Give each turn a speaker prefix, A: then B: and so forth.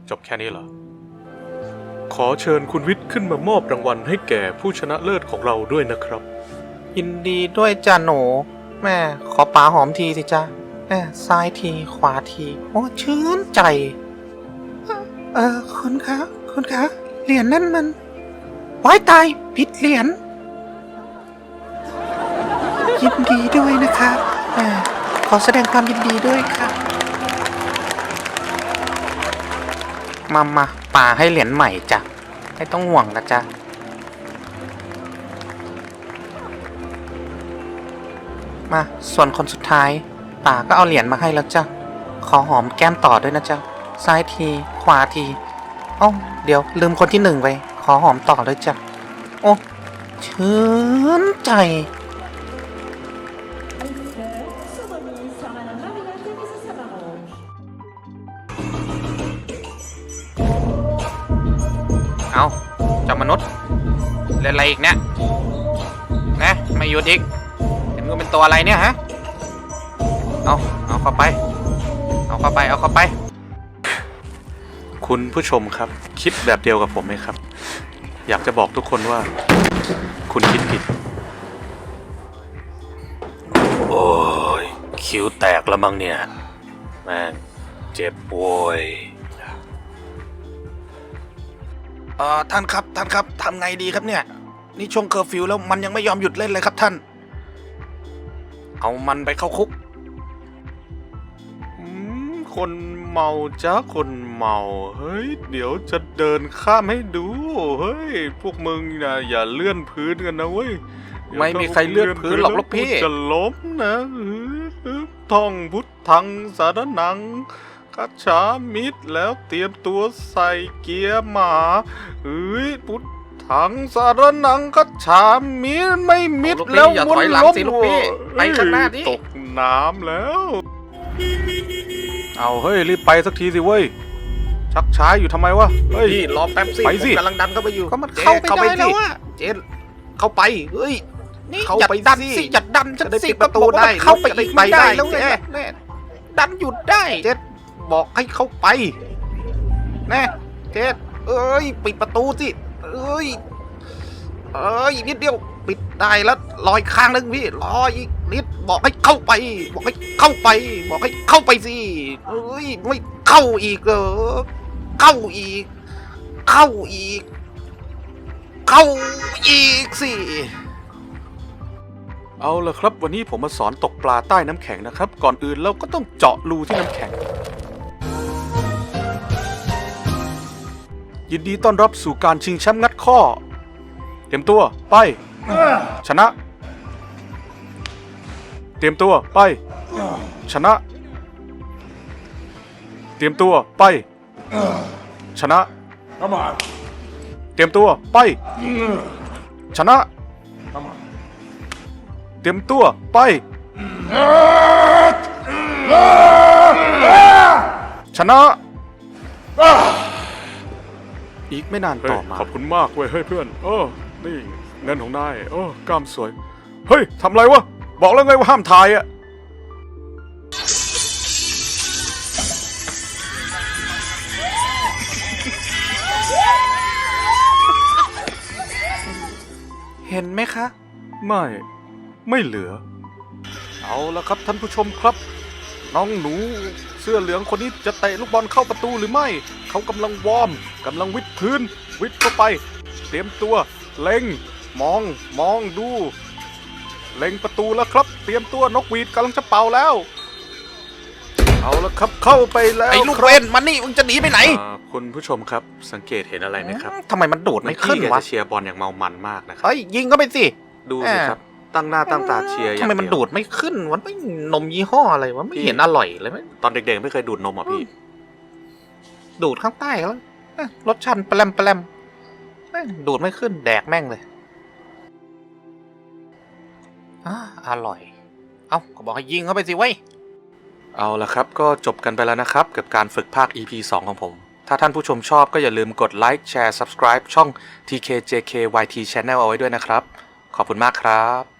A: จบแค่นี้เหรอขอเชิญคุณวิทย์ขึ้นมามอบรางวัลให้แก่ผู้ชนะเลิศของเราด้วยนะครับ
B: ยินดีด้วยจ้าหนูแม่ขอป๋าหอมทีสิจ้าแม่ซ้ายทีขวาทีโอ้ชื่นใจคุณคะเหรียญนั่นมันว้ายตายผิดเหรียญยินดีด้วยนะคะแม่ขอแสดงความยินดีด้วยค่ะมาป๋าให้เหรียญใหม่จ้ะไม่ต้องห่วงนะจ๊ะมาส่วนคนสุดท้ายป๋าก็เอาเหรียญมาให้แล้วจ้ะขอหอมแก้มต่อด้วยนะจ๊ะซ้ายทีขวาทีโอ้เดี๋ยวลืมคนที่1ไปขอหอมต่อด้วยจ้ะโอ้ชื่นใจเอาเจ้ามนุษย์เล่นอะไรอีกเนี่ยนะไม่หยุดอีกเห็นกูเป็นตัวอะไรเนี่ยฮะเอาเข้าไปเอาเข้าไป
A: คุณผู้ชมครับคิดแบบเดียวกับผมไหมครับอยากจะบอกทุกคนว่าคุณคิดผิดโอ้ยคิ้วแตกแล้วมั้งเนี่ยแม่งเจ็บโวย
B: ท่านครับทำไงดีครับเนี่ยนี่ช่วงเคอร์ฟิวแล้วมันยังไม่ยอมหยุดเล่นเลยครับท่านเอามันไปเข้าคุก
A: คนเมาจ้าคนเมาเฮ้ยเดี๋ยวจะเดินข้ามให้ดูเฮ้ยพวกมึงนะอย่าเลื่อนพื้นกันนะเว้ย
B: ไม่มีใครเลื่อนพื้นหรอกลูกพี่
A: จะล้มนะท่องพุทธังสารนังคัจฉามิตรแล้วเตรียมตัวใส่เกียร์หมาเฮ้ยพุทธังสารนังคัจฉามิตรไม่มิตรแล้ว
B: อย่าถอยหลังสิลูกพี่ไปข้างหน้าดิ
A: ตกน้ำแล้วเอาเฮ้ยรีบไปสักทีสิเว้ยชักช้าอยู่ทำไมวะเฮ้ย
B: รอแป๊บสิ
A: ไปสิ
B: กำลังดันเข้าไปอยู่
A: ก็มันเข้าไปได้แล้วอะ
B: เจ๊เข้าไปเฮ้ย
A: นี่
B: เข้าไปดันสิจัดดันฉันสิประตูได้เข้าไปอีกไม่ได้แล้วเจ๊ดันหยุดได้เจ๊บอกให้เข้าไปแน่เจ๊เอ้ยปิดประตูสิเอ้ยนิดเดียวปิดได้แล้วรออีกข้างนึงพี่รออีกนิดบอกให้เข้าไปบอกให้เข้าไปสิเอ้ยไม่เข้าอีกเหรอเข้าอีกสิ
A: เอาละครับวันนี้ผมมาสอนตกปลาใต้น้ำแข็งนะครับก่อนอื่นเราก็ต้องเจาะรูที่น้ำแข็งยินดีต้อนรับสู่การชิงแชมป์งัดข้อเตรียมตัวไปชนะเตรียมตัวไปชนะเตรียมตัวไปชนะเตรียมตัวไปชนะเตรียมตัวไปชนะอีกไม่นานต่อมาขอบคุณมากเว้ยเฮ้ยเพื่อนนี่เงินของนายกล้ามสวยเฮ้ยทำไรวะบอกแล้วไงว่าห้ามถ่ายอะ
B: เห็นไหมคะ
A: ไม่เหลือเอาละครับท่านผู้ชมครับน้องหนูเสื้อเหลืองคนนี้จะเตะลูกบอลเข้าประตูหรือไม่เขากำลังวอร์มกำลังวิดพื้นวิดเข้าไปเตรียมตัวเล็งมองดูเล็งประตูแล้วครับเตรียมตัวนกหวีดกำลังจะเป่าแล้วเอาละครับเข้าไปแล้ว
B: ไอ้ลูกเวนมันนี่มึงจะหนีไปไหน
A: คุณผู้ชมครับสังเกตเห็นอะไรไหมครับ
B: ทำไมมันโดดไม่ขึ้นวะ
A: เชียร์บอลอย่างเมามันมากนะครับ
B: ยิงก็ไปสิ
A: ดูสิครับตั้งหน้าตั้งตาเชียร์
B: ทำไมมันดูดไม่ขึ้นวะไม่นมยี่ห้ออะไรวะไม่เห็นอร่อยเลยไหม
A: ตอนเด็กๆไม่เคยดูดนมอ่ะพี่
B: ดูดข้างใต้แล้วรสชาติแปลมดูดไม่ขึ้นแดกแม่งเลยอร่อยก็บอกให้ยิงเข้าไปสิเว้ย
A: เอาละครับก็จบกันไปแล้วนะครับกับการฝึกภาค EP 2 ของผมถ้าท่านผู้ชมชอบก็อย่าลืมกดไลค์แชร์ Subscribe ช่อง TKJKYT Channel เอาไว้ด้วยนะครับขอบคุณมากครับ